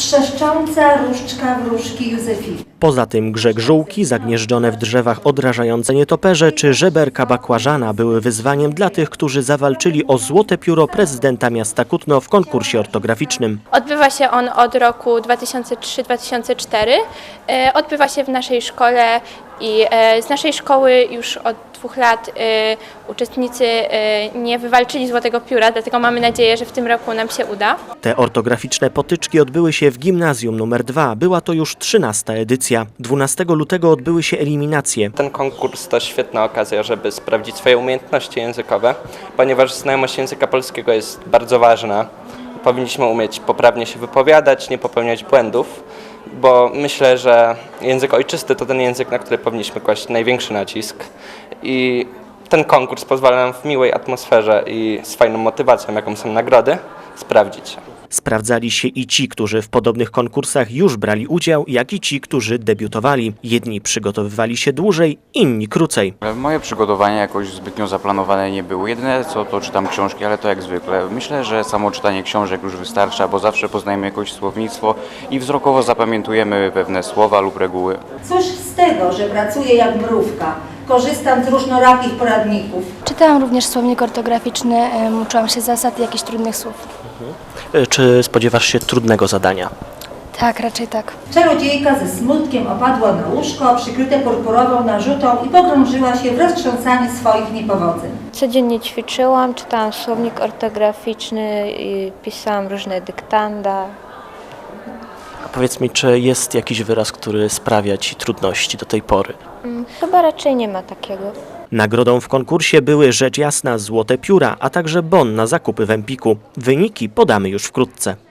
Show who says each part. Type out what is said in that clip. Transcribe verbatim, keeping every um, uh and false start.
Speaker 1: Trzeszcząca różdżka wróżki Józefiny.
Speaker 2: Poza tym grzeg żółki, zagnieżdżone w drzewach odrażające nietoperze czy żeberka bakłażana były wyzwaniem dla tych, którzy zawalczyli o złote pióro prezydenta miasta Kutno w konkursie ortograficznym.
Speaker 3: Odbywa się on od roku dwa tysiące trzeciego do dwa tysiące czwartego. E, Odbywa się w naszej szkole i e, z naszej szkoły już od dwóch lat e, uczestnicy e, nie wywalczyli złotego pióra, dlatego mamy nadzieję, że w tym roku nam się uda.
Speaker 2: Te ortograficzne potyczki odbyły się w gimnazjum numer dwa. Była to już trzynasta edycja. dwunastego lutego odbyły się eliminacje.
Speaker 4: Ten konkurs to świetna okazja, żeby sprawdzić swoje umiejętności językowe, ponieważ znajomość języka polskiego jest bardzo ważna. Powinniśmy umieć poprawnie się wypowiadać, nie popełniać błędów, bo myślę, że język ojczysty to ten język, na który powinniśmy kłaść największy nacisk. I ten konkurs pozwala nam w miłej atmosferze i z fajną motywacją, jaką są nagrody, sprawdzić się.
Speaker 2: Sprawdzali się i ci, którzy w podobnych konkursach już brali udział, jak i ci, którzy debiutowali. Jedni przygotowywali się dłużej, inni krócej.
Speaker 5: Moje przygotowania jakoś zbytnio zaplanowane nie były. Jedyne co to czytam książki, ale to jak zwykle. Myślę, że samo czytanie książek już wystarcza, bo zawsze poznajemy jakoś słownictwo i wzrokowo zapamiętujemy pewne słowa lub reguły.
Speaker 1: Cóż z tego, że pracuję jak mrówka? Korzystam z różnorakich poradników.
Speaker 6: Czytałam również słownik ortograficzny, em, uczyłam się zasad i jakichś trudnych słów.
Speaker 2: Czy spodziewasz się trudnego zadania?
Speaker 6: Tak, raczej tak.
Speaker 1: Czarodziejka ze smutkiem opadła na łóżko, przykryte purpurową narzutą i pogrążyła się w roztrząsaniu swoich niepowodzeń.
Speaker 7: Codziennie ćwiczyłam, czytałam słownik ortograficzny i pisałam różne dyktanda.
Speaker 2: A powiedz mi, czy jest jakiś wyraz, który sprawia ci trudności do tej pory?
Speaker 7: Chyba raczej nie ma takiego.
Speaker 2: Nagrodą w konkursie były rzecz jasna złote pióra, a także bon na zakupy w Empiku. Wyniki podamy już wkrótce.